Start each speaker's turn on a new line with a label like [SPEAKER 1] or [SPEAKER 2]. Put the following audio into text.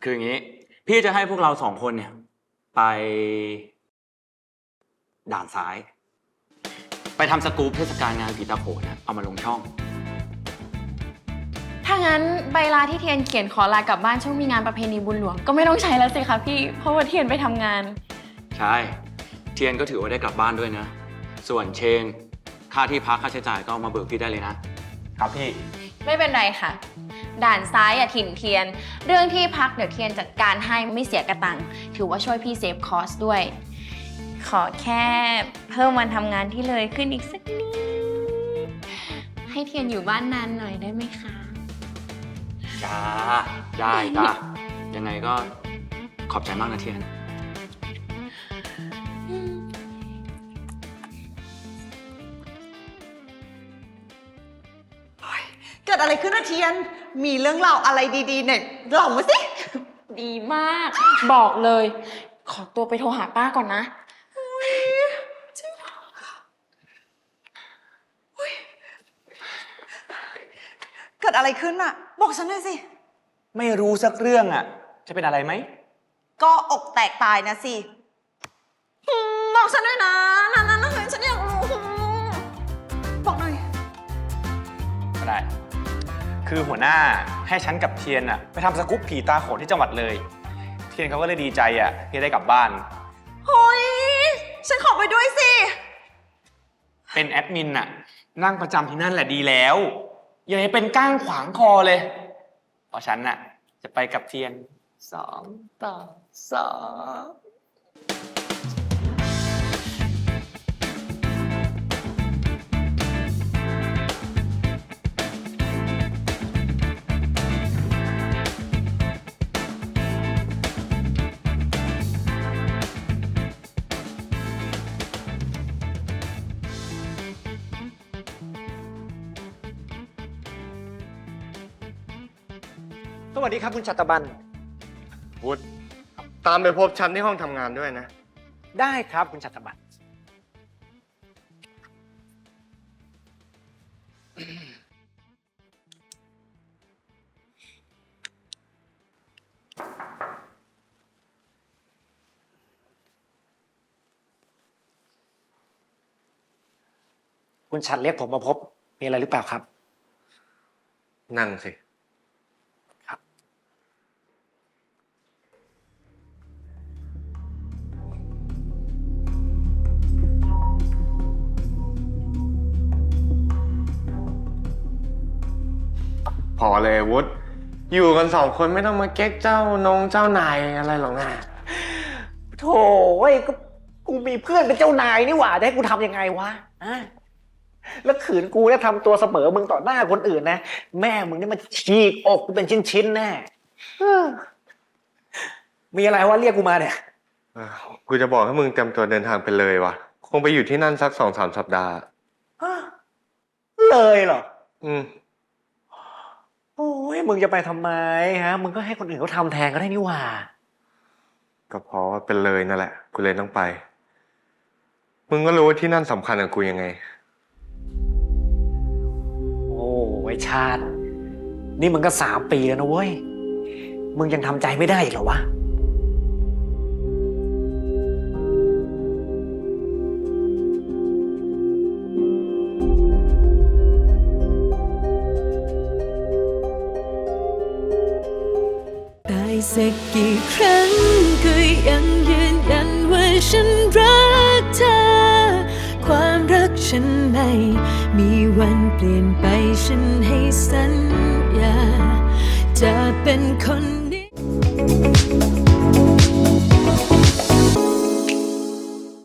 [SPEAKER 1] คืออย่างนี้พี่จะให้พวกเรา2 คนเนี่ยไปด่านซ้ายไปทำสกู๊ปเทศกาลงานผีตาโขนนะเอามาลงช่อง
[SPEAKER 2] ถ้างั้นใบลาที่เทียนเขียนขอลากลับบ้านช่วงมีงานประเพณีบุญหลวงก็ไม่ต้องใช้แล้วสิคะพี่เพราะว่าเทียนไปทำงาน
[SPEAKER 1] ใช่เทียนก็ถือว่าได้กลับบ้านด้วยนะส่วนเชงค่าที่พักค่าใช้จ่ายก็เอามาเบิกพี่ได้เลยนะครับพี่
[SPEAKER 2] ไม่เป็นไรค่ะด่านซ้ายอย่าถิ่นเทียนเรื่องที่พักเดี๋ยวเทียนจัดการให้ไม่เสียกระตังถือว่าช่วยพี่เซฟคอสด้วยขอแค่เพิ่มวันทำงานที่เลยขึ้นอีกสักนิดให้เทียนอยู่บ้านนานหน่อยได้ไหมคะ
[SPEAKER 1] จ้าได้จ้ายังไงก็ขอบใจมากนะเทียน
[SPEAKER 3] เกิดอะไรขึ้นนะเทียนมีเรื่องเล่าอะไรดีๆเนี่ยเล่ามาสิ
[SPEAKER 2] ดีมากบอกเลยขอตัวไปโทรหาป้าก่อนนะ
[SPEAKER 3] เกิดอะไรขึ้นอะบอกฉันหน่อยสิ
[SPEAKER 1] ไม่รู้สักเรื่องอะจะเป็นอะไรไหม
[SPEAKER 3] ก็อกแตกตายนะสิบอกฉันด้วยนะนั่นฉันอยากรู้บอกหน่อย
[SPEAKER 4] ก็ได้คือหัวหน้าให้ฉันกับเทียนอะไปทำสกู๊ปผีตาโขนที่จังหวัดเลยเทียนเขาก็เลยดีใจอะที่ได้กลับบ้าน
[SPEAKER 3] เฮ้ยฉันขอไปด้วยสิ
[SPEAKER 4] เป็นแอดมินอะนั่งประจำที่นั่นแหละดีแล้วอย่าให้เป็นก้างขวางคอเลยเพราะฉันอะจะไปกับเทียน2-2
[SPEAKER 5] สวัสดีครับคุณชัตบัน
[SPEAKER 6] วุฒิตามไปพบฉันที่ห้องทำงานด้วยนะ
[SPEAKER 5] ได้ครับคุณชัตบันคุณชัดเรียกผมมาพบมีอะไรหรือเปล่าครับ
[SPEAKER 6] นั่งสิพอเลยวุฒิอยู่กัน2 คนไม่ต้องมาเก๊กเจ้านายอะไรหรอกนะ
[SPEAKER 5] โถ่ก็กูมีเพื่อนเป็นเจ้านายนี่หว่าจะให้กูทำยังไงวะแล้วขืนกูเนี่ยทำตัวเสมอมึงต่อหน้าคนอื่นนะแม่มึงนี่มันฉีกอกกูเป็นชิ้นๆแน่มีอะไรวะเรียกกูมาเนี่ย
[SPEAKER 6] กูจะบอกให้มึงเตรียมตัวเดินทางไปเลยวะคงไปอยู่ที่นั่นสัก2-3 สัปดาห์
[SPEAKER 5] เลยเหรอ
[SPEAKER 6] โอ้
[SPEAKER 5] ยมึงจะไปทำไมฮะมึงก็ให้คนอื่นเขาทำแทนก็ได้นี่หว่า
[SPEAKER 6] ก็เพราะว่าเป็นเลยนั่นแหละกูเลยต้องไปมึงก็รู้ว่าที่นั่นสำคัญกับกูยังไง
[SPEAKER 5] โอ้ไอ้ชาตินี่มึงก็3 ปีแล้วนะเว้ยมึงยังทำใจไม่ได้อีกเหรอวะ
[SPEAKER 7] สักกี่ครั้งก็ยังยืนยันว่าฉันรักเธอความรักฉันไม่มีวันเปลี่ยนไปฉันให้สัญญาจะเป็นคนนี้